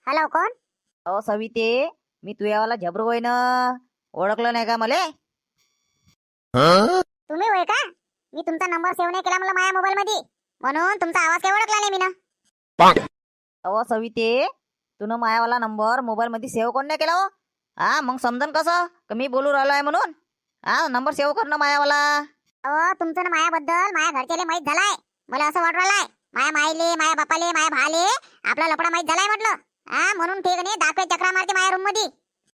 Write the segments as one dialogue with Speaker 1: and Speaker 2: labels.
Speaker 1: Hello, कोण?
Speaker 2: अहो सविते, मी तुझ्यावाला झबरू होय ना. ओळखलं नाही का मले?
Speaker 1: तुम्ही होय का? मी तुमचा नंबर सेव्ह नाही केला मला माझ्या मोबाईल मध्ये, म्हणून तुमचा आवाज काही ओळखला नाही मी ना.
Speaker 2: अहो सविते, तुनं मायावाला नंबर मोबाईल मध्ये सेव्ह कोण नाही केला हो? हा, मग समजन कसं का मी बोलू राहिलो आहे म्हणून? हा, नंबर सेव्ह करणं मायावाला.
Speaker 1: अहो, तुमचं ना मायाबद्दल माझ्या घरच्याले माहित झालाय. मला असं वाटू राहिलंय माया माईले, माया बापाले, माया भाले आपला लपडा माहित झालाय म्हटलं. हा, म्हणून ठीक नाही दाखवे चक्रा मारते माझ्या रूम मध्ये.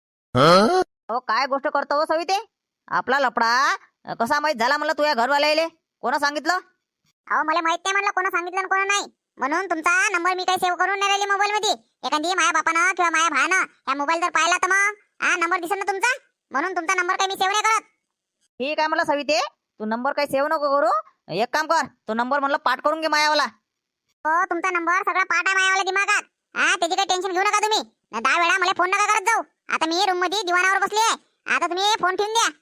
Speaker 2: अहो काय गोष्ट करतो हो सविते? आपला लपडा कसा माहित झाला म्हणलं तुझ्या घरवाल्याले? कोणा सांगितलं?
Speaker 1: अहो, मला माहित नाही म्हणलं कोणा सांगितलं आणि कोणा नाही. म्हणून तुमचा नंबर मी काही सेव्ह करून नाही राहिली मोबाईल मध्ये. एखादी माया बापानं किंवा माया भानं ह्या मोबाईल जर पाहिला तर मग हा नंबर दिसेल ना तुमचा. म्हणून तुमचा नंबर काही मी सेव्ह नाही करत.
Speaker 2: ठीक आहे म्हणलं सविते, तू नंबर काही सेव्ह नको करू. एक काम कर, तो नंबर म्हणलं पाठ करून घे मायावाला.
Speaker 1: हो, तुमचा नंबर सगळा पाठ आहे मायावाला दिमागात. हा, त्याची काही टेन्शन घेऊ नका तुम्ही. 10 वेळा मला फोन नका करत जाऊ. आता मी रूम मध्ये दिवाणावर बसली आहे. आता तुम्ही फोन ठेवून द्या.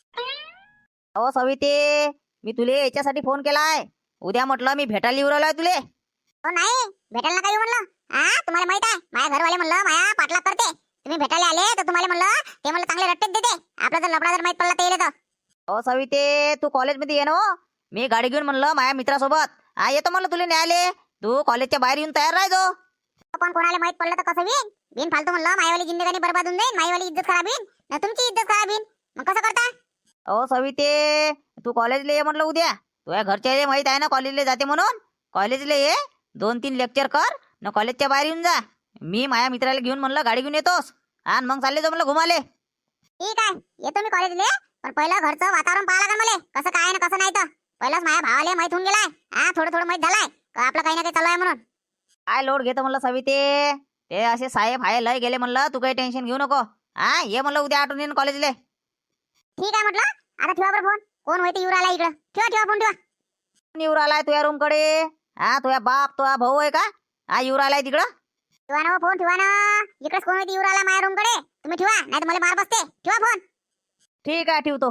Speaker 2: अहो सविते, मी तुले याच्यासाठी फोन केलाय. उद्या म्हटलं मी भेटायला येऊ राहिलोय तुले.
Speaker 1: हो नाही, भेटायला नका येऊ म्हणलं. हा, तुम्हाला माहित आहे माझ्या घरवाले म्हणलं माया पाठलाग करते. तुम्ही भेटायला आले तर तुम्हाला म्हणलं ते मला चांगले रट्टेच देते. आपला जर लफडा जर माहित पडला तर येईल तर.
Speaker 2: अहो सविते, तू कॉलेजमध्ये ये ना हो. मी गाडी घेऊन म्हणलं माझ्या मित्रासोबत हा येतो म्हणलं तुला न्यायले. तू कॉलेजच्या बाहेर येऊन तयार राहायचो.
Speaker 1: पण कोणाला माहित पडलं तर कसं होईल? बिन फालतू म्हणलं मायवाली जिंदगानी बरबाद होऊन जाईल. मायवाली इज्जत खराब होईल ना तुमची इज्जत खराब होईल. मग कसं करता?
Speaker 2: अहो सविते, तू कॉलेजला ये म्हणलं उद्या. तुझ्या घरच्याले माहित आहे ना कॉलेजला जाते म्हणून. कॉलेजला ये, 2-3 लेक्चर कर न कॉलेजच्या बाहेर येऊन जा. मी माझ्या मित्राला घेऊन म्हणलं गाडी घेऊन येतोस आणि मग चालले जाऊ म्हणलं घुमाले.
Speaker 1: ठीक आहे, येतो मी कॉलेजला. पण पहिलं घरचं वातावरण पाहा लागेल मला. कसं काय ना कसं नाही तर. पहिलंच माझ्या भावाले माहित होऊन गेलाय. हा, थोडं थोडं माहित झालाय का आपलं काही ना काही चालू आहे म्हणून.
Speaker 2: काय लोड घेतो म्हणलं सविते? ते असे साहेब आहे लय गेले म्हणलं, तू काही टेन्शन घेऊ नको. हा, ये म्हणलं उद्या आठवून येईन कॉलेजले.
Speaker 1: ठीक आहे म्हटलं. आता ठेवा बरं फोन. कोण होते येऊ राहिला इकडं? ठेवा ठेवा फोन ठेवा.
Speaker 2: येऊ राहिलाय तुझ्या रूम कडे? हा, तुझ्या बाप तुझा भाऊ आहे का? हा, येऊ राहिलाय तिकडं.
Speaker 1: ठेवा ना फोन, ठेवा ना. इकडेच कोण होते येऊ राहिला माझ्या रूम कडे. तुम्ही ठेवा नाही तर मला मार बसते. ठेवा फोन.
Speaker 2: ठीक आहे, ठेवतो.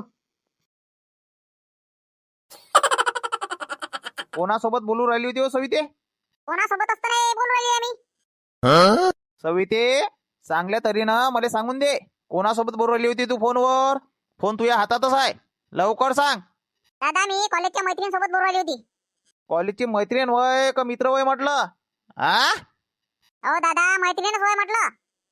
Speaker 3: कोणासोबत बोलू राहिली होती हो सविते?
Speaker 1: कोणासोबत असतं नाही बोलून राहिली आहे मी.
Speaker 3: सविते, चांगल्या तऱ्हेनं मला सांगून दे, कोणासोबत बोलू राहिली होती तू फोनवर? फोन तुझ्या हातातच आहे, लवकर सांग.
Speaker 1: दादा, मी कॉलेजच्या मैत्रिणीसोबत बोलून राहिली होती.
Speaker 3: कॉलेजची मैत्रीण वय का मित्र वय म्हटलं? हा,
Speaker 1: अहो दादा, मैत्रिणीच होय म्हटलं.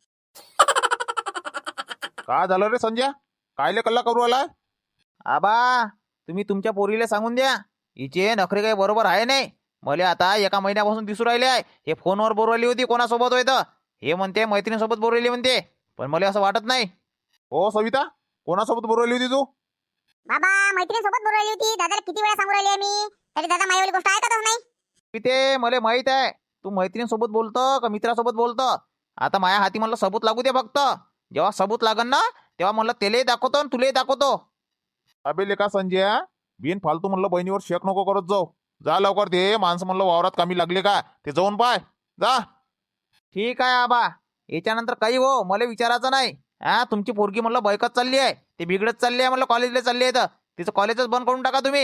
Speaker 3: का झालं रे संजय? कायले कल्ला करू आला? आबा, तुम्ही तुमच्या पोरीला सांगून द्या, हिचे नखरे काही बरोबर आहे नाही. मला आता एका महिन्यापासून दिसू राहिले आहे हे फोनवर बोलू राहिली होती कोणासोबत होय तर. हे म्हणते मैत्रिणीसोबत बोलू राहिली म्हणते, पण मला असं वाटत नाही. हो सविता, कोणासोबत बोलू राहिली होती तू?
Speaker 1: बाबा, मैत्रिणीसोबत बोलून राहिली होती. दादाला किती वेळा सांगू राहिली आहे मी, तरी दादा माझ्यावाली गोष्ट ऐकतच नाही.
Speaker 3: ते मला माहित आहे तू मैत्रिणीसोबत बोलतं का मित्रासोबत बोलतं. आता माझ्या हाती म्हणलं सबूत लागू दे फक्त. जेव्हा सबूत लागन ना तेव्हा म्हणलं तेले दाखवतो आणि तुले दाखवतो. अबे लेका संजय, बिन फालतू म्हणलं बहिणीवर शेक नको करत जाऊ. जा लवकर, ते माणसं म्हणलं वावरात कामी लागले का ते जाऊन पाय जा. ठीक आहे आबा, याच्यानंतर काही हो मला विचारायचं नाही. हा, तुमची पोरगी म्हणलं बैकत चालली आहे, ते बिघडत चालली आहे म्हणलं, कॉलेजला चालली आहे तर तिचं कॉलेजच बंद करून टाका तुम्ही.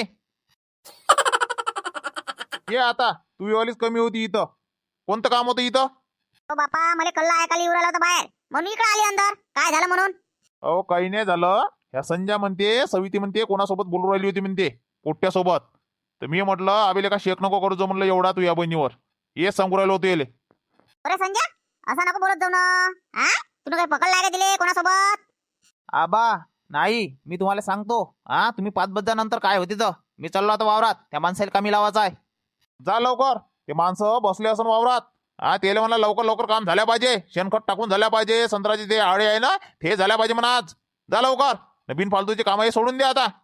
Speaker 3: ये आता, तू वालीच कमी होती इथं. कोणतं काम होतं इथं?
Speaker 1: हो बापा, मला कल्ला ऐकायला येऊ राहिला होता बाहेर, म्हणून इकडे आली अंदर. काय झालं म्हणून?
Speaker 3: अहो काही नाही झालं. ह्या संजय म्हणते, सविती म्हणते कोणासोबत बोलू राहिली होती म्हणते, पोट्ट्यासोबत. तर मी म्हटलं आबेले का शेक नको करू जो म्हणलं एवढा तू या बहिणीवर. हेच सांगू राहिलो होतो येले.
Speaker 1: अरे संजय, असं नको बोलत जाऊ ना. हा, तुला काही पकडला का दिले कोणासोबत?
Speaker 3: आबा नाही, मी तुम्हाला सांगतो. हा, तुम्ही 5 बजेनंतर काय होते तर मी चाललो आता वावरात, त्या माणसाला कमी लावायचा आहे. जा लवकर, ते माणसं बसले असन वावरात. हा, त्याला म्हणलं लवकर लवकर काम झाल्या पाहिजे, शेणखत टाकून झाल्या पाहिजे, संत्र्याचे ते आळे आहे ना ते झाल्या पाहिजे म्हणा आज. जा लवकर, बिन फालतूचे काम हे सोडून द्या आता.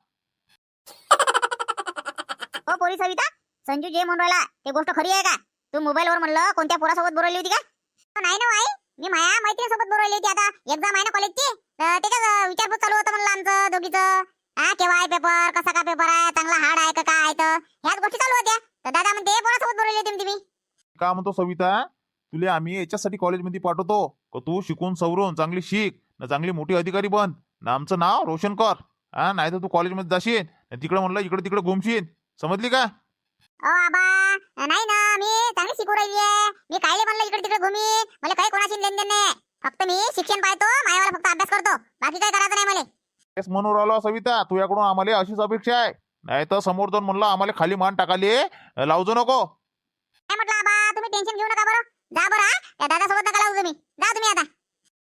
Speaker 1: हो पोरी सविता, संजू जे म्हणून राहिला ते गोष्ट खरी आहे का? तू मोबाईलवर म्हणलं कोणत्या पोरासोबत बोलवली होती का? नाही ना आई, मी माया मैत्रिणीसोबत बोलवली होती. आता एक्झाम आहे ना कॉलेजची, तर त्याच्याच विचारपूस चालू होतं म्हणलं आमचं दोघीचं. हा, केव्हा आहे पेपर, कसा का पेपर आहे, चांगला हार्ड आहे का काय आहे, तर ह्याच गोष्टी चालू होत्या. तर दादा म्हणते पोरासोबत बोलवली होती तुम्ही.
Speaker 3: का म्हणतो सविता, तुले आम्ही याच्यासाठी कॉलेजमध्ये पाठवतो का तू शिकून सवरून चांगली शिक ना, चांगली मोठी अधिकारी बन ना, आमचं नाव रोशन कर. हा, नाही तर तू कॉलेजमध्ये जाशील तिकडे म्हणलं इकडे तिकडे घुमशील, समजली का?
Speaker 1: आबा नाही ना, मी चांगली शिकू राहिली आहे. मी कायले म्हणलं इकडे तिकडे घुमी, मला काही कोणाशी लेनदेन नाही. फक्त मी शिक्षण पाहतो, मायावाला फक्त अभ्यास करतो, बाकी काय करायचं नाही मला.
Speaker 3: तेच म्हणून राहिलो सविता, तुझ्याकडून आम्हाला अशीच अपेक्षा आहे. नाही तर समोर जाऊन म्हणलं आम्हाला खाली मान टाकाले लावजो नको.
Speaker 1: काय म्हटलं आबा, तुम्ही टेन्शन घेऊ नका बरं. जा बरं, हा. त्या दादासोबत नका लावू तुम्ही. जा तुम्ही आता.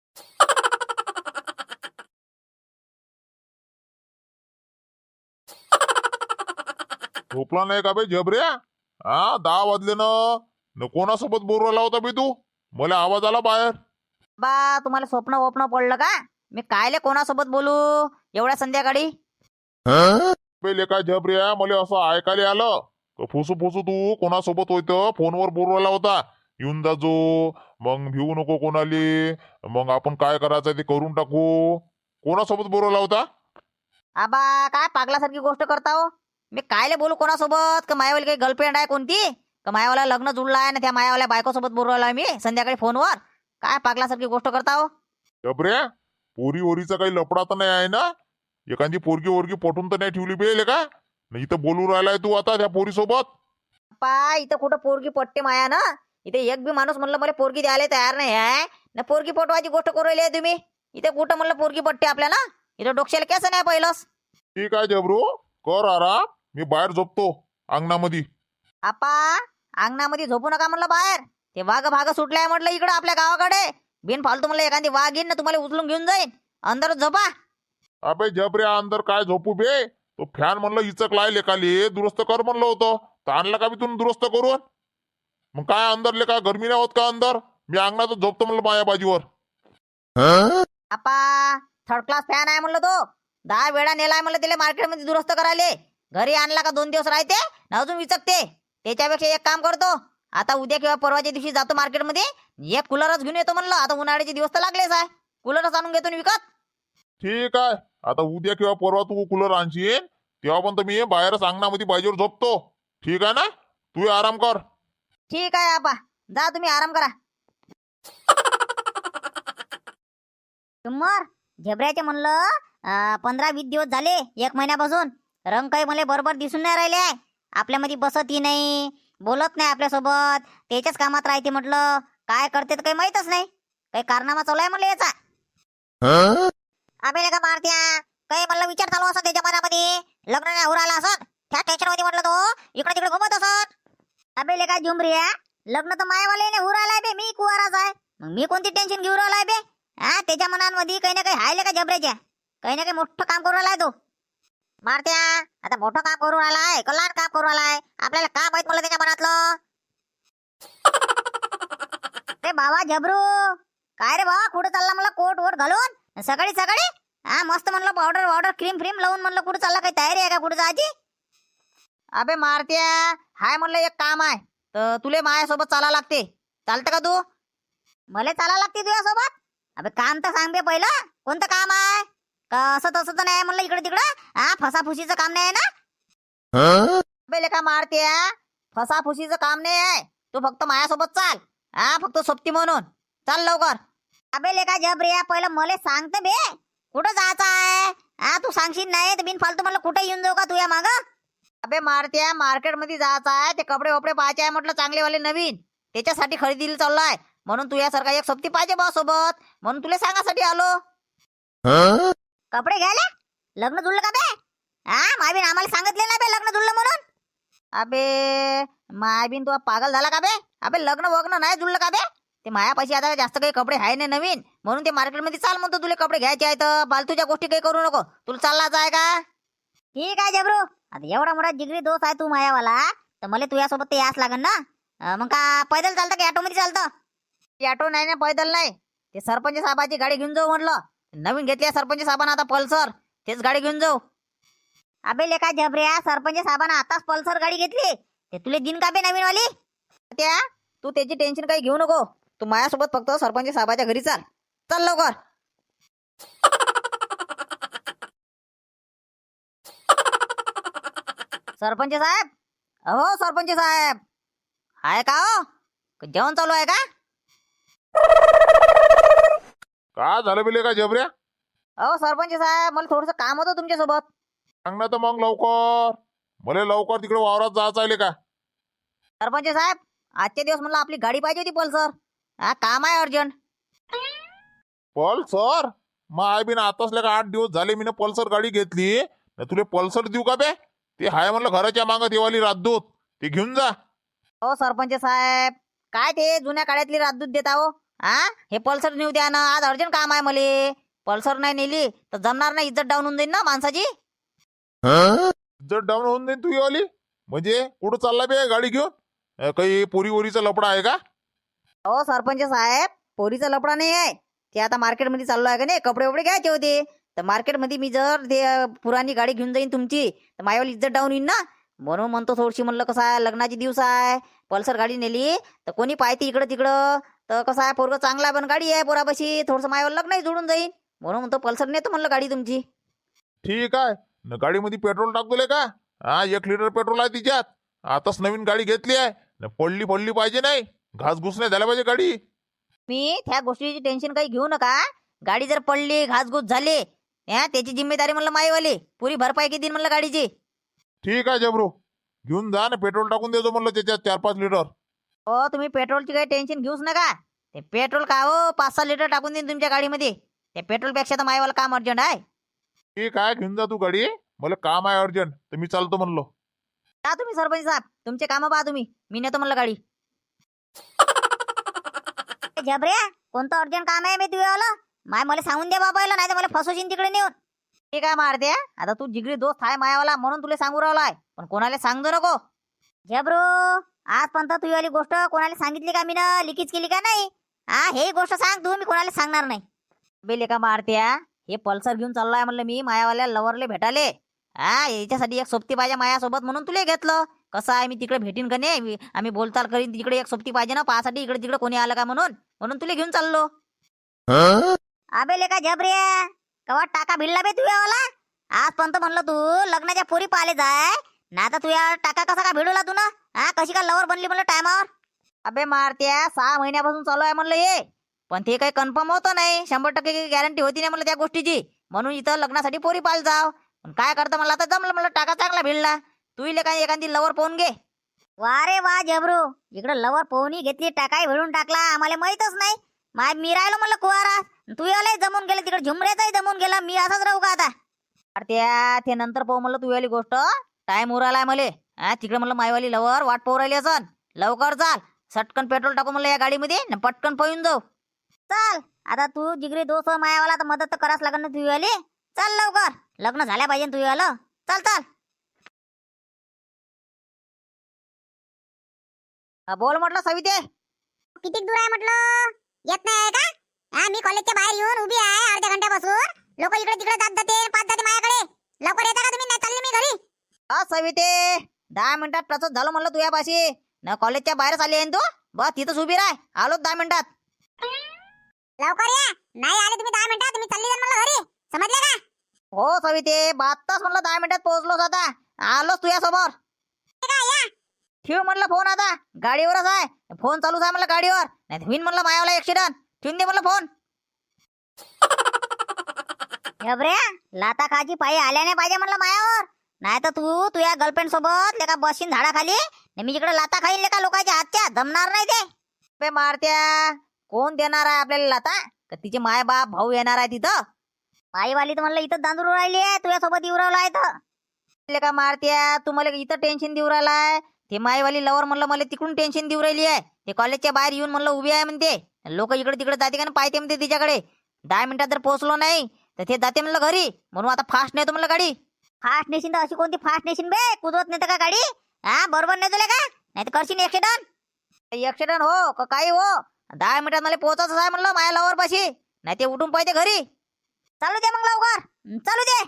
Speaker 4: झोपला नाही का बे जबऱ्या? हा 10 वाजले ना. न कोणासोबत बोलवला होता बे तू? मला आवाज आला बाहेर.
Speaker 2: बा तुम्हाला स्वप्न वप्न पडलं का? मी कायले कोणासोबत बोलू एवढ्या संध्याकाळी?
Speaker 4: बे लेका जबऱ्या, मला असं ऐकायला आलं का फुसू फुसू तू कोणासोबत होतं फोनवर बोलवला होता. येऊन जाजो, मग भिवू नको कोणाले, मग आपण काय करायचं ते करून टाकू. कोणासोबत बोलवला होता?
Speaker 2: आबा काय पागलासारखी गोष्ट करता हो? मी कायले बोलू कोणासोबत? का मायावाली काही गर्लफ्रेंड आहे कोणती? का मायावाला लग्न जुळलं आहे ना त्या मायावाल्या बायकोसोबत बोलवला मी संध्याकाळी फोनवर? काय पागलासारखी गोष्ट करता हो?
Speaker 4: जबऱ्या, पोरी ओरीचा काही लपडा तर नाही आहे ना? एखादी पोरगी ओरगी पटून तर नाही ठेवली बे का? नाही इथं बोलू राहिलाय तू आता त्या पोरीसोबत?
Speaker 2: पा इथं कुठं पोरगी पटते माया ना? इथे एक बी माणूस म्हणलं मला पोरगी द्यायला तयार नाही आहे ना. पोरगी पटवायची गोष्ट करू राहिली आहे तुम्ही. इथे कुठं म्हणलं पोरगी पटते आपल्याला? इथं डोक्याला कसं नाही पहिलंच.
Speaker 4: ठीक आहे जबरू, कर आराम. मी बाहेर झोपतो अंगणामध्ये.
Speaker 2: आपा अंगणामध्ये झोपू नका म्हणलं बाहेर. ते वाघ भाग सुटलाय म्हटलं इकडं आपल्या गावाकडे. बिन फालतू म्हणलं एखादी वाघ येईन ना तुम्हाला उचलून घेऊन जाईन. अंदरच झोपा.
Speaker 4: अबे जबऱ्या, अंदर काय झोपू बे? तो फॅन म्हणलं इचकलाय लेकाले, दुरुस्त कर म्हणलं होतं. तर आणला का मी तुम्ही दुरुस्त करून? मग काय अंदर लेका गरमी नाही होत का अंदर? मी अंगणातच झोपतो म्हणलं माया बाजीवर.
Speaker 2: आपा थर्ड क्लास फॅन आहे म्हणलं तो. 10 वेळा नेलाय म्हणलं त्याला मार्केटमध्ये दुरुस्त करायले. घरी आणला का 2 दिवस राहते ना अजून विचकते. त्याच्यापेक्षा एक काम करतो, आता उद्या किंवा परवाच्या दिवशी जातो मार्केटमध्ये, एक कूलरच घेऊन येतो म्हणलं. आता उन्हाळ्याचे दिवस तर लागलेच आहे, कूलरच आणून घेतो ना विकत.
Speaker 4: ठीक आहे, आता उद्या किंवा परवा तू कूलर आणशील तेव्हा पण तर मी बाहेरच अंगणामध्ये बाजीवर झोपतो. ठीक आहे ना? तू आराम कर.
Speaker 2: ठीक आहे आपा, जा तुम्ही आराम करा.
Speaker 1: तुमर झेब्राचे म्हणलं 15-20 दिवस झाले, 1 महिन्यापासून रंग काही मला बरोबर दिसून नाही राहिले आहे. आपल्यामध्ये बसतही नाही, बोलत नाही आपल्यासोबत, त्याच्याच कामात राहते. म्हटलं काय करते तर काही माहीतच नाही. काही कारनामा चालू आहे म्हणलं याचा. आम्ही का मारत्या काही म्हणलं विचार चालू असत त्याच्या मनामध्ये. लग्न नाही होऊ राहिला असत, त्या टेन्शन मध्ये म्हटलं तो इकडे तिकडे घुमत असत. अबे लेका झुमरिया, लग्न तर मायावाले नाही होऊ राहिलाय बे, मी कुवाराच आहे. मग मी कोणती टेन्शन घेऊ राहिलाय बे? हा त्याच्या मनांमध्ये काही ना काही हायले का जबऱ्याच्या, काही ना काही मोठं काम करू राहिलाय तो. मारत्या आता मोठं काम करू राहिलाय का लहान काम करू राहिलाय आपल्याला काय माहित म्हणलं त्याच्या मनातलं. रे बाबा जबरू, काय रे बाबा कुठं चालला म्हणलं कोट वोट घालून सकाळी सकाळी? हा मस्त म्हणलं पावडर क्रीम फ्रीम लावून म्हणलं कुठं चालला, काही तयारी आहे का कुठं जायची?
Speaker 2: अबे मारत्या हाय म्हणलं एक काम आहे तर तुले माझ्यासोबत चाला लागते. चालतं का तू?
Speaker 1: मला चाला लागते तुझ्यासोबत? अबे काम तर सांग बे पहिलं, कोणतं काम आहे? का असं तसं तर नाही म्हणलं इकडे तिकडं? हा फसाफुशीचं काम नाही आहे ना?
Speaker 2: अबे लेका मारत्या फसाफुशीचं काम नाही आहे. तू फक्त माझ्यासोबत चाल, हा फक्त सोबती म्हणून चाल लवकर.
Speaker 1: अबे लेका जबरिया, पहिलं मला सांगते बे कुठं जायचं आहे? हा तू सांगशील नाही तर बिन फालतू म्हणलं कुठे येऊन जाऊ का तुझ्या माग?
Speaker 2: अबे मारत्या मार्केटमध्ये जायचं आहे, ते कपडे वपडे पाहायचे आहे म्हटलं चांगलेवाले नवीन, त्याच्यासाठी खरेदीला चाललाय. म्हणून तुझ्यासारखा एक सोबती पाहिजे बा सोबत, म्हणून तुला सांगासाठी आलो.
Speaker 1: कपडे घ्यायला? लग्न जुळलं का बे? हा मायबीन आम्हाला सांगितले ना बे लग्न जुळलं म्हणून.
Speaker 2: अबे मायबीन तू पागल झाला का बे? अबे लग्न वग्न नाही जुळलं का बे? ते मायापाशी आता जास्त काही कपडे आहे नाही नवीन, म्हणून ते मार्केटमध्ये चाल म्हणतो. तुला कपडे घ्यायचे आहेत, फालतूच्या गोष्टी काही करू नको. तुला चाललाच आहे का?
Speaker 1: ठीक आहे जबरू, आता एवढा मोठा जिगरी दोस्त आहे तू मायावाला, तर मला तुझ्यासोबत ते यास लागन ना. मग का पैदल चालतं की ऑटो मध्ये चालतं?
Speaker 2: ऑटो नाही ना पैदल नाही, ते सरपंच साहेबाची गाडी घेऊन जाऊ म्हटलं. नवीन घेतली सरपंच साहेबांना आता पल्सर, तेच गाडी घेऊन जाऊ.
Speaker 1: अबे लेका जबऱ्या, सरपंच साहेबांना आताच पल्सर गाडी घेतली, ते तुले दिन का बे नवीन वाली?
Speaker 2: त्या तू त्याची टेन्शन काही घेऊ नको. तू माझ्यासोबत फक्त सरपंच साहेबाच्या घरी चाल. चल लवकर. सरपंच साहेब, अहो सरपंच साहेब आहे का? हो जेवण चालू आहे का?
Speaker 4: काय झालं बिले का जबऱ्या?
Speaker 2: अहो सरपंच साहेब, मला थोडस काम होतं तुमच्यासोबत.
Speaker 4: सांग ना तर मग लवकर. मला लवकर तिकडे वावरात जायचं आहे का?
Speaker 2: सरपंच साहेब, आजचे दिवस म्हणलं आपली गाडी पाहिजे होती पल्सर. हा, काम आहे अर्जंट.
Speaker 4: पल्सर माय बिन आताच का 8 दिवस झाले मी पल्सर गाडी घेतली. न तुले पल्सर देऊ का बे? ते हाय म्हणलं घराच्या मागं देवाली राजदूत, ते घेऊन जा.
Speaker 2: हो सरपंच साहेब, काय ते जुन्या काळातली राजदूत देता हो. हा, हे पल्सर नेऊ द्या ना, आज अर्जंट काम आहे मले. पल्सर नाही नेली तर जमणार नाही, इज्जत डाऊन होऊन जाईल ना माणसाची.
Speaker 4: जर डाऊन होऊन जाईल तू वाली म्हणजे कुठं चालला बे गाडी घेऊन? काही पोरी वोरीचा लपडा आहे का?
Speaker 2: हो सरपंच साहेब, पोरीचा लफडा नाही आहे. ते आता मार्केटमध्ये चाललो आहे का नाही, कपडे वपडे घ्यायचे होते. तर मार्केटमध्ये मी जर ते पुराणी गाडी घेऊन जाईन तुमची, तर माझ्यावर इज्जत डाऊन येईन ना. म्हणून म्हणतो थोडीशी, म्हणलं कसं आहे लग्नाची दिवस आहे, पल्सर गाडी नेली तर कोणी पाहते इकडं तिकडं, तर कसं आहे पोरगं चांगला आहे पण गाडी आहे पोरापाशी, थोडंसं माझ्यावर लग्नही जोडून जाईन. म्हणून म्हणतो पल्सर नेतो म्हणलं गाडी तुमची.
Speaker 4: ठीक आहे न, गाडीमध्ये पेट्रोल टाकतोले का? हा, 1 लिटर पेट्रोल आहे तिच्यात. आताच नवीन गाडी घेतली आहे न, पडली पडली पाहिजे नाही, घासघुस नाही झाल्या पाहिजे गाडी.
Speaker 2: मी त्या गोष्टीची टेन्शन काही घेऊ नका. गाडी जर पडली घासघूस झाली, त्याची जिम्मेदारी म्हणलं माईवाली, पुरी भरपाई किती म्हणलं गाडीची.
Speaker 4: ठीक आहे जबरू, घेऊन जा ना, पेट्रोल टाकून देतो म्हणलं त्याच्यात 4-5 लिटर.
Speaker 2: हो, तुम्ही पेट्रोलची काही टेन्शन घेऊच नका. ते पेट्रोल का हो 5-6 लिटर टाकून देईन तुमच्या गाडीमध्ये. त्या पेट्रोलपेक्षा तर माईवाला काम अर्जंट आहे.
Speaker 4: ठीक आहे, घेऊन जा तू गाडी, मला काम आहे अर्जंट, तर मी चालतो म्हणलो.
Speaker 2: का तुम्ही सरपंच साहेब, तुमचे कामं पहा तुम्ही, मी नेतो म्हणलं गाडी.
Speaker 1: जबऱ्या, कोणतं अर्जंट काम आहे मी तुझ्यावालं? माय मला सांगून दे बाबा, नाही तर मला फसवशील तिकडे नेऊन.
Speaker 2: ठीक आहे मारते, आता तू जिगरी दोस्त आहे मायावाला म्हणून तुला सांगू राहिलाय, पण कोणाला सांगतो नको.
Speaker 1: जबरू, आजपर्यंत तुझीवाली गोष्ट कोणाला सांगितली का मी ना, लिकीच केली का नाही? हा, हे गोष्ट सांग तू, मी कोणाला सांगणार नाही.
Speaker 2: बेले का मारत्या, हे पल्सर घेऊन चाललोय म्हणलं मी मायावाल्या लवरले भेटाले. हा, याच्यासाठी एक सोबती पाहिजे मायासोबत म्हणून तुला घेतलं. कसं आहे, मी तिकडे भेटीन का नाही, आम्ही बोलचाल करीन, तिकडे एक सोबती पाहिजे ना पाहासाठी, इकडे तिकडे कोणी आलं का म्हणून म्हणून तुला घेऊन चाललो.
Speaker 1: अबे लेका जबऱ्या, कवा टाका भिडला बे तुझ्यावाला? आजपर्यंत म्हणलं तू लग्नाच्या पोरी पाहिले जाय ना, तर तुझ्या टाका कसा का भिडवला तू ना? हा, कशी का लवर बनली म्हणलं टायमावर?
Speaker 2: अबे मारत्या, 6 महिन्यापासून चालू आहे म्हणलं हे, पण ते काही कन्फर्म होतं नाही, 100% गॅरंटी होती नाही म्हणलं त्या गोष्टीची. म्हणून इथं लग्नासाठी पोरी पाल जाव. पण काय करतं मला आता जमलं, म्हणलं टाका चांगला भिडला. तू इले काय एखादी लवर पाहून घे.
Speaker 1: वा रे वा जबरू, इकडं लवर पोहणी घेतली, टाकाही भिडून टाकला, आम्हाला माहितच नाही. मी राहिलो म्हणलं कुवारा, तू याला जमून गेलं, तिकडे झुमऱ्याचाही जमून गेला, मी असाच राहू का आता?
Speaker 2: त्या ते नंतर पाहू म्हणलं तू वाली गोष्ट, टाइम उरालाय मले. तिकडे म्हणलं मायवाली लवर वाट पाहू राहिली असन, लवकर चाल, सटकन पेट्रोल टाकू म्हणलं या गाडीमध्ये न पटकन पळून जाऊ.
Speaker 1: चल, आता तू जिगरी दोस्त मायावाला, तर मदत तर करावंच लागेल ना तुझीवाली. चल लवकर, लग्न झाल्या पाहिजे ना तुझीवालं. चल चल.
Speaker 2: बोल म्हटलं सविते.
Speaker 1: किती दूर आहे म्हटलं? येत नाही आहे का? हा, मी कॉलेजच्या बाहेर येऊन उभी आहे अर्ध्या घंट्यापासून. लोक इकडे तिकडे जात जाते, पाच जाते माझ्याकडे. लवकर येता का तुम्ही? नाही चालले मी घरी.
Speaker 2: सविते, 10 मिनिटात तसंच झालं म्हणलं तुझ्यापाशी न, कॉलेजच्या बाहेरच आली आहे तू. बस तिथंच उभी राह, आलो 10 मिनिटात.
Speaker 1: लवकर या, नाही आले तुम्ही 10 मिनिटात, मी चालली जाईन मला घरी. समजले का?
Speaker 2: हो सविते, बातच म्हणलं 10 मिनिटात पोहोचलोच, आता आलोच तुझ्या समोर. ठेव म्हणलं फोन, आता गाडीवरच आहे, फोन चालूच आहे म्हणलं गाडीवर, नाही होईन म्हणलं मायावाला ऍक्सिडेंट. ठेवून दे म्हणलं फोन.
Speaker 1: घबऱ्या, लाता खाजी पायी आल्या नाही पाहिजे म्हणलं मायावर. नाही तर तू तुझ्या गर्लफ्रेंड सोबत लेका बसीन झाडाखाली, मी इकडे लाता खाईन लेका लोकांच्या हातच्या, जमणार नाही ते.
Speaker 2: बे मारत्या, कोण देणार आहे आपल्याला लाता? का तिचे माय बाप भाऊ येणार आहे तिथं?
Speaker 1: पायीवाली तर म्हणलं इथं दांदूर राहिली आहे, तुझ्यासोबत येऊ राहिला आहे तर.
Speaker 2: का मारत्या, तू मला इथं टेन्शन देऊ राहिलाय? ते मायवाली लवर म्हणलं मला तिकडून टेन्शन देऊ राहिली आहे. ते कॉलेजच्या बाहेर येऊन म्हणलं उभी आहे म्हणते, लोक इकडे तिकडे जाते का ना, पाहते म्हणते तिच्याकडे. 10 मिनिटात जर पोहोचलो नाही तर ते जाते म्हणलं घरी, म्हणून आता फास्ट नेतो म्हणलं गाडी.
Speaker 1: फास्ट नेशीन तर अशी कोणती फास्ट नेशीन बे? कुदवत नेतं का गाडी? हा, बरोबर नेतो का? नाही तर करशील ऍक्सिडेंट.
Speaker 2: ऍक्सिडेंट हो का काही हो, 10 मिनिटात मला पोहोचायचं आहे म्हणलं माझ्या लवर पाशी, नाही ते उठून पाहिजे घरी.
Speaker 1: चालू दे मग लवकर, चालू दे.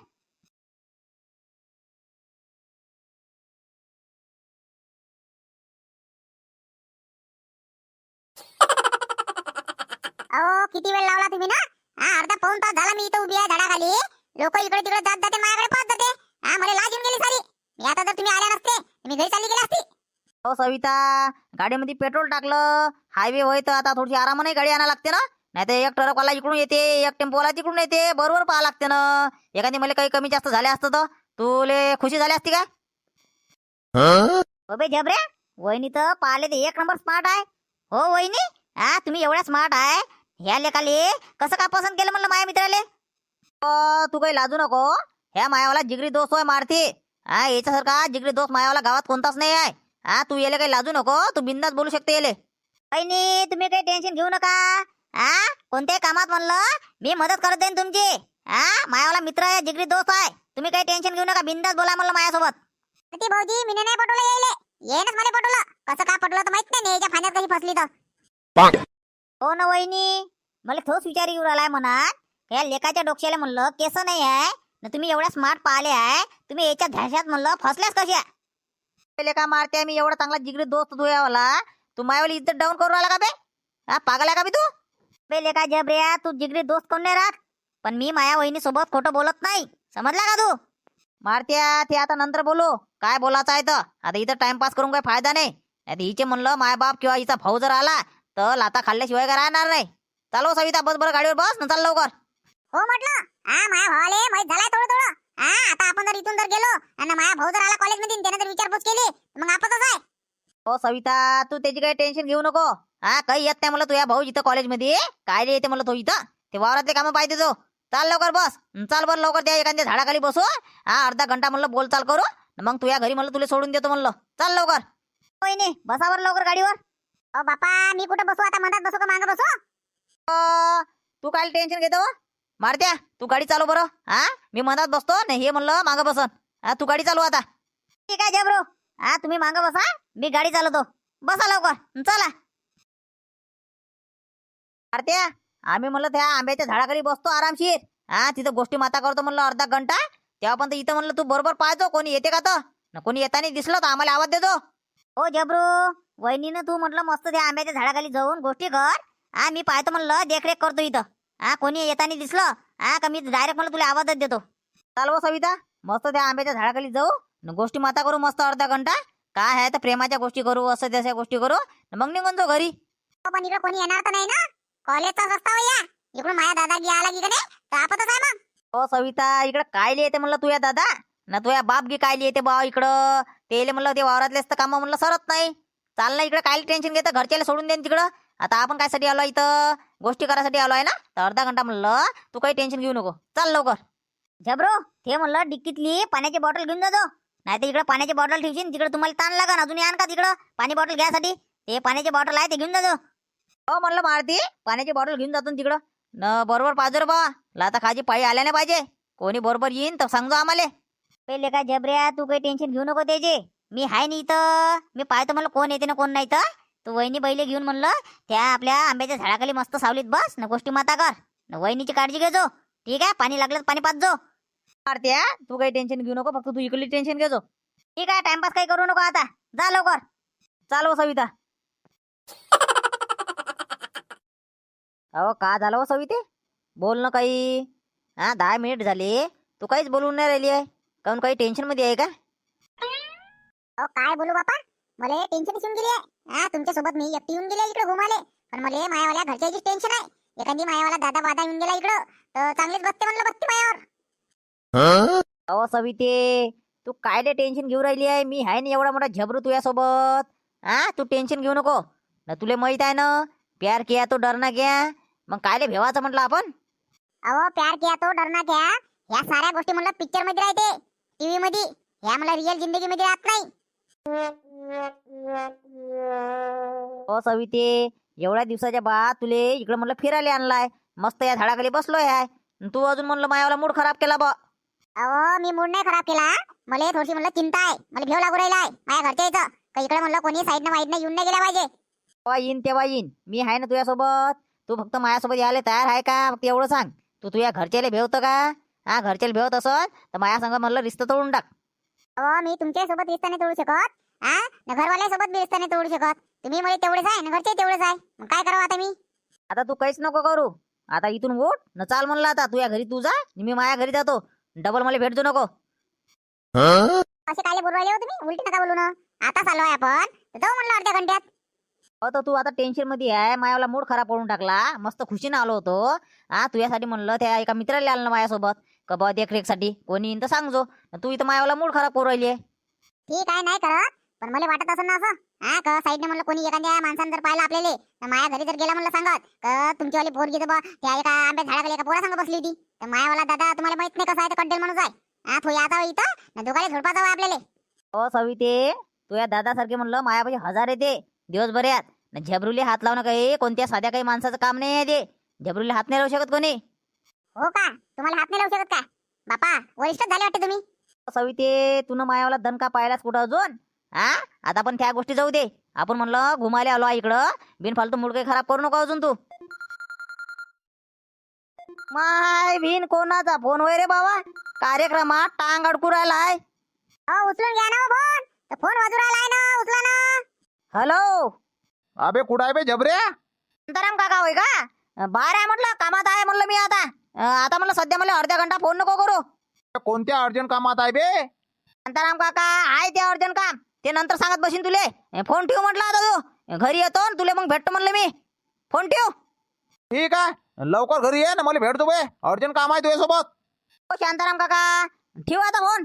Speaker 1: अहो, किती वेळ लावला तुम्ही ना? हा, अर्धा पाऊण तास झाला मी इथं उभी आहे झाडाखाली. लोक इकडे तिकडे जात जाते, माझ्याकडे पाहत जाते. हा, मला लाज येऊन गेली सारी. मी आता जर तुम्ही आल्या नसते, मी घरी चालली गेली असती.
Speaker 2: हो सविता, गाडीमध्ये पेट्रोल टाकलं, हायवे होय तर आता थोडीशी आरामाने गाडी आणायला लागते ना, नाही तर एक ट्रकवाला इकडून येते, एक टेम्पोवाला तिकडून येते, बरोबर पाहा लागते ना. एखादी मला काही कमी जास्त झाले असतं तर तुले खुशी झाली असती का?
Speaker 1: अबे जबरे, वहिनी तर पाहिले ते एक नंबर स्मार्ट आहे. हो वहिनी, हा तुम्ही एवढ्या स्मार्ट आहे, ह्या लेखाले कसं काय पसंत केलं म्हणलं माझ्या मित्राले?
Speaker 2: तू काही लाजू नको. ह्या मायावाला जिगरी दोस्त होय मारती. हा याच्यासारखा जिगरी दोस्त मायावाला गावात कोणताच नाही आहे. हा तू याले काही लाजू नको, तू बिंदास बोलू शकते याले.
Speaker 1: वहिनी तुम्ही काही टेन्शन घेऊ नका. हा कोणत्याही कामात म्हणलं मी मदत करत जाईन तुमची. हा मायावाला मित्र आहे, जिगरी दोस्त आहे. तुम्ही काही टेन्शन घेऊ नका, बिंदास बोला म्हणलं माझ्यासोबत. ते भाऊजी मी नाही पटवलं यायले, येईनच मला पटवलं. कसं काय पटवलं तर माहित नाही, याच्या फाण्यात कशी फसली तर. हो ना वहिनी, मला तोच विचार येऊ राहिलाय मनात. या लेकाच्या डोक्याला म्हणलं केस नाही आहे ना, तुम्ही एवढ्या स्मार्ट पाहिले आहे, तुम्ही याच्या ध्याशात म्हणलं फसल्यास कशा?
Speaker 2: पहिले का मारते मी एवढा चांगला जिगरी दोस्त तू यावाला, तू मायावाली इज्जत डाऊन करू राहिला का बे? हा पागल आहे का बे तू?
Speaker 1: बे लेका जबऱ्या, तू जिगरी दोस्त कोण नाही राहत, पण मी माया वहिनी सोबत खोटं बोलत नाही, समजला का तू?
Speaker 2: मारत्या ते आता नंतर बोलू, काय बोलायचं आहे तर. आता इथं टाइमपास करून काही फायदा नाही. आता हिचे म्हणलं मायबाप किंवा हिचा भाऊ जर आला तर लाता खाल्ल्याशिवाय काय राहणार नाही. चालव सविता, बस बरं गाडीवर बस ना, चाल लवकर.
Speaker 1: हो म्हटलं, हा माया भावाले माहित झालाय थोडं थोडं. हा आता आपण जर इथून जर गेलो आणि माया भाऊ जर आला कॉलेजमध्ये, त्याने जर विचारपूस केली मग आपणच आहे.
Speaker 2: हो सविता, तू त्याची काही टेन्शन घेऊ नको. हा काही येत नाही मला तुझ्या भाऊ इथं कॉलेजमध्ये, काय रे येते मला तो इथं, ते वावरातले कामं पाहिजे तो. चाल लवकर बस, चाल बरं लवकर, त्या एखाद्या झाडाखाली बसू. हा अर्धा घंटा म्हणलं बोल चाल करू, मग तुझ्या घरी म्हणलं तुला सोडून देतो म्हणलं. चाल लवकर.
Speaker 1: होय नाही, बसावर लवकर गाडीवर. अ बापा मी कुठं बसू आता, मधात बसू का मागं बसू?
Speaker 2: तू काय टेन्शन घेतो मारत्या, तू गाडी चालव बरं. हा मी मनात बसतो नाही, हे म्हणलं मागं बसन. हा तू गाडी चालू आता.
Speaker 1: ठीक आहे जबरो, हा तुम्ही मागं बसा, मी गाडी चालवतो. बसा लवकर, चला.
Speaker 2: मारत्या, आम्ही म्हणलं त्या आंब्याच्या झाडाखाली बसतो आरामशीर. हा तिथं गोष्टी माता करतो म्हणलं अर्धा घंटा. तेव्हा पण इथं म्हणलं तू बरोबर पाहतो कोणी येते का तर, कोणी येताना दिसलं तर आम्हाला आवाज देतो.
Speaker 1: हो जबरू, वहिनीनं तू म्हटलं मस्त त्या आंब्याच्या झाडाखाली जाऊन गोष्टी कर. हा मी पाहतो म्हणलं, देखरेख करतो इथं. हा कोणी येताना दिसलं हा का मी डायरेक्ट म्हणलं तुला आवाजच देतो.
Speaker 2: चालव सविता, मस्त त्या आंब्याच्या झाडाखाली जाऊ, गोष्टी माता करू मस्त अर्धा घंटा. काय आहे तर प्रेमाच्या गोष्टी करू, असं तशा गोष्टी करू, मग निघून जाऊ घरी.
Speaker 1: हो, पण इकडे कोणी येणार तर नाही ना? कॉलेजचा रस्ता हो या, इकडून माझ्या दादा आला की नाही तर आपतच आहे मग.
Speaker 2: हो सविता, इकडं काय येते म्हणलं तुझ्या दादा ना तुझ्या बाप गी काय येते बा इकडं. ते म्हणलं ते वावरातलेच तर काम म्हणलं सरत नाही. चाल ना इकडं, काय टेन्शन घेतं, घरच्याला सोडून देईन तिकडं. आता आपण काय साठी आलो इथं, गोष्टी करायसाठी आलो आहे ना, तर अर्धा घंटा म्हणलं तू काही टेन्शन घेऊ नको. चाल लवकर.
Speaker 1: जबरो ते म्हणलं डिक्कीतली पाण्याची बॉटल घेऊन जातो, नाही तर इकडे पाण्याची बॉटल ठेवशील, तिकडे तुम्हाला ताण लागन. अजून आण का तिकडं पाणी बॉटल घ्यासाठी, ते पाण्याची बॉटल आहे ते घेऊन जातो.
Speaker 2: हो म्हणलं मारती, पाण्याची बॉटल घेऊन जातो तिकडं न, बरोबर पाहिजे बा. लाता खाजी पायी आल्या नाही पाहिजे, कोणी बरोबर येईन तर सांगतो आम्हाला.
Speaker 1: पहिले काय जबऱ्या, तू काही टेन्शन घेऊ नको त्याचे, मी हाय नाही इथं. मी पाहतो म्हणलं कोण येते ना कोण नाही तर. तू वहिनी बैले घेऊन म्हणलं त्या आपल्या आंब्याच्या झाडाखाली मस्त सावलीत बस ना, गोष्टी माता कर ना, वहिनीची काळजी घेजो. ठीक आहे, पाणी लागलं तर पाणी पाच जो.
Speaker 2: मारत्या, तू काही टेन्शन घेऊ नको, फक्त तू इकडली टेन्शन घेजो.
Speaker 1: ठीक आहे, टाइमपास काही करू नको आता, जा लवकर.
Speaker 2: चालव सविता. अहो का झालं हो सविते, बोल ना काही. हा 10 मिनिट झाले, तू काहीच बोलून नाही राहिली आहे, काहून काही टेन्शन मध्ये आहे का?
Speaker 1: अहो काय बोलू बापा, मला टेन्शन येऊन गेली आहे. हा तुमच्या सोबत मी एकटी येऊन गेले इकडे घुमाले, पण मला मायावाल्या घरच्याची टेन्शन आहे. एखादी मायावाला दादा बादा येऊन गेला इकडं तर चांगलीच बसते म्हणलं, बसते मायावर.
Speaker 2: अहो सविते, तू काय टेन्शन घेऊ राहिली आहे, मी आहे ना एवढा मोठा झबरू तुझ्यासोबत. हा तू टेन्शन घेऊ नको ना, तुला माहित आहे ना प्यार किया तो डरना क्या. मग कायले भेवाचं म्हटलं आपण.
Speaker 1: अहो प्यार किया तो डरना क्या, ह्या साऱ्या गोष्टी म्हणलं पिक्चर मध्ये राहते, टीव्ही मध्ये. ह्या मला रिअल जिंदगी मध्ये राहत नाही.
Speaker 2: हो सविते, एवढ्या दिवसाच्या बाद तुले इकडे म्हणलं फिरायला आणलाय, मस्त या झाडाखाली बसलोय आहे, तू अजून म्हणलं मायावाला मूड खराब केला बा.
Speaker 1: अहो मी मूड नाही खराब केला, मला थोडीशी म्हणलं चिंता आहे, मला भेव लागू राहिला आहे माझ्या घरच्या इथं. का इकडे म्हणलं कोणी साईडनं वाईडनं येऊन नाही गेला पाहिजे.
Speaker 2: तेव्हा येईन तेव्हा येईन, मी आहे ना तुझ्यासोबत. तू फक्त माझ्यासोबत यायला तयार आहे का, फक्त एवढं सांग. तू तुझ्या घरच्याला भेवतं का? हा घरच्याला भेवत असत तर माझ्या संग म्हणलं रिश्ता तोडून टाक.
Speaker 1: अहो मी तुमच्या सोबत रिश्ता नाही तोडू शकत, हा ना घरवाल्यासोबत बी रिश्ता नाही तोडू शकत. तुम्ही मला तेवढेच आहे ना घरचे तेवढेच आहे, मग काय करावं आता मी?
Speaker 2: आता तू काहीच नको करू, आता इथून उठ न चाल म्हणलं. आता तुझ्या घरी तू जा, मी माझ्या घरी जातो, डबल मला भेटतो नको.
Speaker 1: असे काय बोलू राहिले हो तुम्ही, उलटी नका बोलू ना. आता चालू आहे आपण, तर जाऊ म्हणलं अर्ध्या घंट्यात.
Speaker 2: तर तू आता टेन्शन मध्ये आहे, मायावाला मूड खराब करून टाकला. मस्त खुशीनं आलो होतो. हा तुझ्यासाठी म्हणलं त्या एका मित्राला आलं ना माझ्यासोबत का बा देखरेखसाठी, कोणी येईन तर सांगजो. तू इथं मायावाला मूड खराब करू राहिली आहे.
Speaker 1: ठीक आहे, नाही करत. पण मला वाटत असं ना असं का साईडने म्हणलं कोणी एखाद्या माणसानं जर पाहिलं आपल्याला तर माया घरी जर गेला म्हणलं सांगत का तुमचीवाली पोरगी तर त्या एका आंब्या झाडाखाली एका पोरा संग बसली होती तर मायावाला दादा तुम्हाला माहित नाही कसं आहे तर कड्डेल माणूस आहे तो याचा इथं ना दोघाले झोडपा जावं आपल्याला.
Speaker 2: हो सविते, तू या दादासारखे म्हणलं मायापाशी हजार येते दिवसभरात न झबरुले हात लावणं काही कोणत्या साध्या काही माणसाचं काम नाही आहे ते. झबरुले हात नाही लावू शकत कोणी.
Speaker 1: हो का, तुम्हाला हात नाही लावू शकत का बापा, वरिष्ठ झाले वाटते तुम्ही.
Speaker 2: सविते, तू मायावाला दणका पाहिलास कुठं अजून? हा, आता पण त्या गोष्टी जाऊ दे. आपण म्हणलं घुमायला आलो इकडं, बिनफालतू मूड काही खराब करू नको अजून तू. माय बिन कोणाचा फोन होय रे बाबा? कार्यक्रमात टांग अडकू राहिलाय.
Speaker 1: उचलून घ्या ना फोन, तर फोन वाजू राहिलाय ना, उचला ना.
Speaker 2: हॅलो,
Speaker 3: अबे कुठं आहे बे जबऱ्या?
Speaker 2: शांताराम काका होय का? बाहेर आहे म्हटलं, कामात आहे म्हणलं मी आता. आता म्हणलं सध्या मला अर्ध्या घंटा फोन नको करू.
Speaker 3: कोणत्या अर्जंट कामात आहे बे?
Speaker 2: शांताराम काका आहे ते अर्जंट काम, ते नंतर सांगत बसीन तुले. फोन ठेव म्हटलं आता तू. घरी येतो न तुले मग भेटतो म्हणलं मी. फोन ठेव.
Speaker 3: ठीक आहे, लवकर घरी ये ना, मला भेटतो बे, अर्जंट काम आहे तुझ्यासोबत.
Speaker 2: हो शांताराम काका, ठेव आता फोन.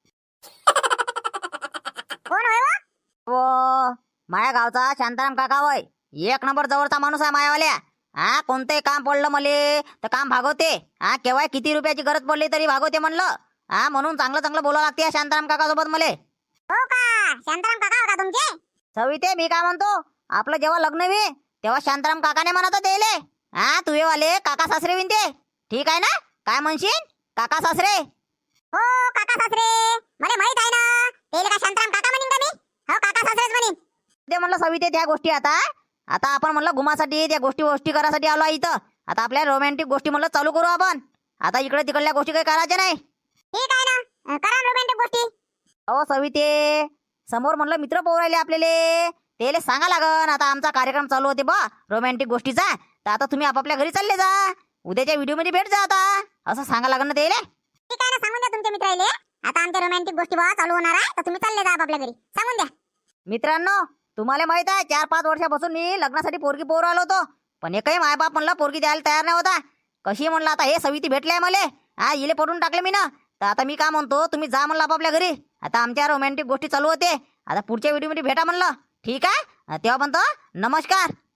Speaker 1: कोण होय व?
Speaker 2: हो, माया गावचा शांताराम काका होय. एक नंबर जवळचा माणूस आहे मायावाल्या. हा, कोणतंही काम पडलं मले तर काम भागवते. हा, केव्हा किती रुपयाची गरज पडली तरी भागवते म्हणलं. हा, म्हणून चांगलं चांगलं बोलावं लागते या शांताराम काका सोबत मले.
Speaker 1: हो का, शांताराम काका का तुमचे?
Speaker 2: सविते, मी काय म्हणतो, आपलं जेव्हा लग्न वे तेव्हा शांताराम काकाने म्हणत देले. हा, तुझे वाले काका सासरे विनते. ठीक आहे ना? काय म्हणशील? काका सासरे.
Speaker 1: हो काका सासरे, मला माहित आहे ना. तेले का शांताराम काका म्हणीन का मी? हो काका सासरेच म्हणीन.
Speaker 2: ते म्हणलं सविते त्या गोष्टी आता आता आपण म्हणलं घुमासाठी त्या गोष्टी करायसाठी आलो आहे इथं. आता आपल्या रोमॅन्टिक गोष्टी म्हणलं चालू करू आपण. आता इकडे तिकडल्या गोष्टी काही करायच्या नाही.
Speaker 1: ठीक आहे ना, करा रोमॅन्टिक गोष्टी.
Speaker 2: अहो सविते, समोर म्हणलं मित्र पोर राहिले आपल्याला, तेले सांगा लागन आता आमचा कार्यक्रम चालू होते बा रोमॅन्टिक गोष्टीचा. तर आता तुम्ही आपापल्या घरी चालले जा, उद्याच्या व्हिडिओ मध्ये भेट जा आता, असं सांगा लागन ना तेले.
Speaker 1: ठीक आहे ना, सांगून द्या तुमच्या मित्राले आता आमच्या रोमॅन्टिक गोष्टी बा चालू होणार आहे, तर तुम्ही चालले जा आपापल्या घरी, सांगून द्या.
Speaker 2: मित्रांनो, तुम्हाला माहित आहे 4-5 वर्षापासून मी लग्नासाठी पोरगी पोर आलो होतो, पण एकही मायबाप म्हणलं पोरगी द्यायला तयार नाही होता. कशी म्हणलं आता हे सविती भेटले मला, हा इले पडून टाकले मी ना. तर आता मी काय म्हणतो, तुम्ही जा म्हणलं आपापल्या घरी. आता आमच्या रोमॅन्टिक गोष्टी चालू होते. आता पुढच्या व्हिडिओ मध्ये भेटा म्हणलं. ठीक आहे, तेव्हा म्हणतो नमस्कार.